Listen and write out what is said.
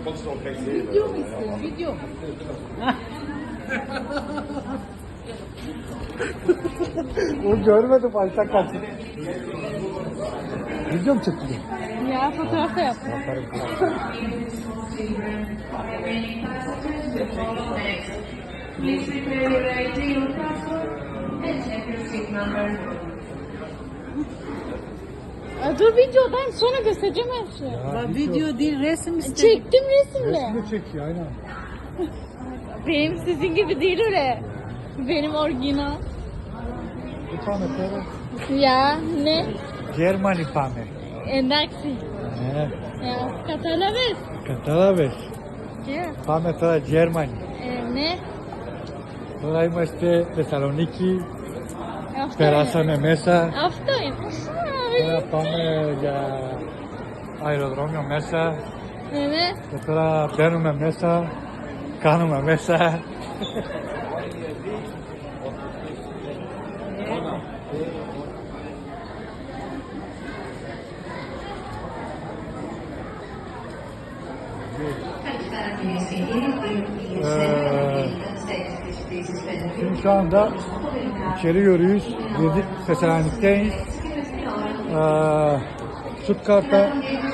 Video mu istiyorsun? Video. O görmedim Ayşe kaçtı. Video mu çekti? Ya fotoğraf da yaptım. Please prepare your ID or passport and check your seat number. Dur videodayım sonra göstereceğim her şeyi. Video değil, resim istedim. Çektim resimle. Resmi çekiyor aynen. Benim sizin gibi değil öyle. Benim orijinal. Bir tane para. Ya ne? Germani pane. Endaksi. Ya Katala ves. Cada vez. Ya. Πάμε τώρα Germany. Ne? Τώρα είμαστε Θεσσαλονίκη. Hafta. Περάσαμε μέσα. Hafta. Τώρα πάμε για αεροδρόμιο μέσα. Ne? Και τώρα μπαίνουμε μέσα. Κάνουμε μέσα. Şimdi şu anda içeri yürüyüş. Girdik Selanik'teyiz. Stuttgart'a